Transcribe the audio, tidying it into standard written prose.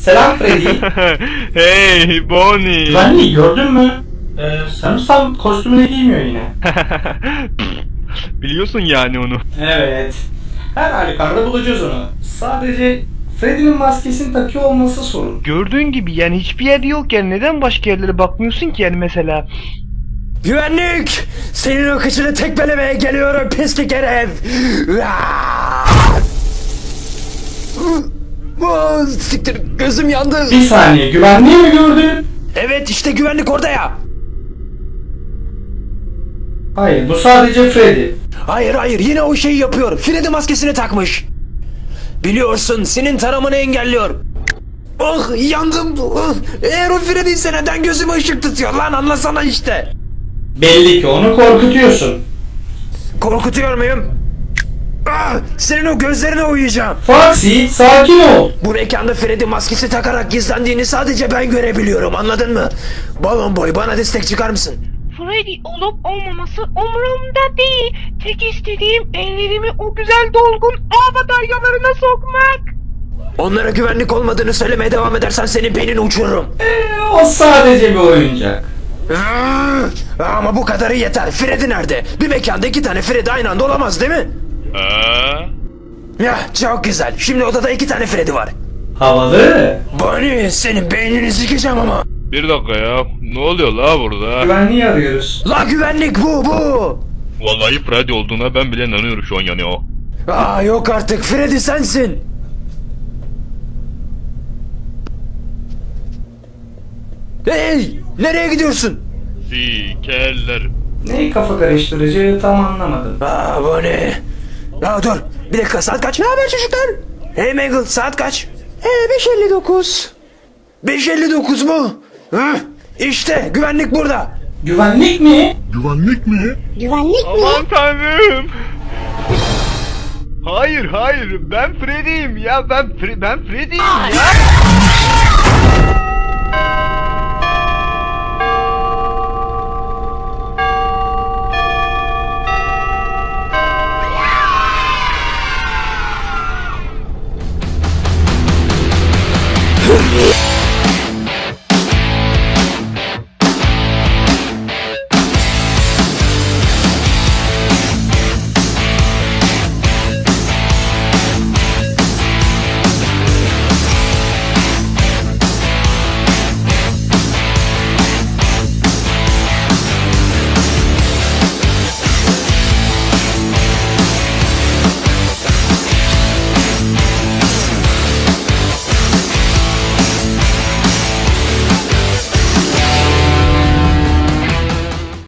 Selam Freddy. Hey Bonnie. Güvenliği gördün mü? Sanırsam kostümünü giymiyor yine. Biliyorsun yani onu. Evet. Her halükarda bulacağız onu. Sadece Freddy'nin maskesini takıyor olması sorun. Gördüğün gibi yani hiçbir yerde yok yani neden başka yerlere bakmıyorsun ki yani mesela? Güvenlik! Senin o kıçını tekmelemeye geliyorum pislik herif! Siktir gözüm yandı. Bir saniye, güvenliği mi gördün? Evet işte güvenlik orada ya. Hayır, bu sadece Freddy. Hayır yine o şeyi yapıyor. Freddy maskesini takmış. Biliyorsun senin taramanı engelliyor. Oh yandım. Oh. Eğer o Freddy ise neden gözüme ışık tutuyor lan anlasana işte. Belli ki onu korkutuyorsun. Korkutuyor muyum? Ah, senin o gözlerine uyuyacağım. Foxy, sakin ol. Bu mekanda Freddy maskesi takarak gizlendiğini sadece ben görebiliyorum anladın mı? Balon boy bana destek çıkar mısın? Freddy olup olmaması umurumda değil. Tek istediğim ellerimi o güzel dolgun ağ bataryalarına sokmak. Onlara güvenlik olmadığını söylemeye devam edersen senin beynini uçururum. O sadece bir oyuncak. Ama bu kadarı yeter. Freddy nerede? Bir mekanda 2 tane Freddy aynı anda olamaz değil mi? Ya çok güzel. Şimdi odada 2 tane Freddy var. Havalı. Bonnie senin beynini sikeceğim ama. Bir dakika ya. Ne oluyor la burada? Güvenliği arıyoruz. La güvenlik bu. Vallahi Freddy olduğuna ben bile inanıyorum şu an yani o. Aa yok artık Freddy sensin. Hey nereye gidiyorsun? Sikerler. Neyi kafa karıştırıcı tam anlamadım. Aa bu ne? Aa dur bir dakika saat kaç? Ne haber çocuklar? Hey Mangle saat kaç? 5:59. 5:59 mu? Hı? İşte güvenlik burada. Güvenlik mi? Güvenlik mi? Aman tanrım. Hayır ben Freddy'yim ya ben Freddy'yim ya.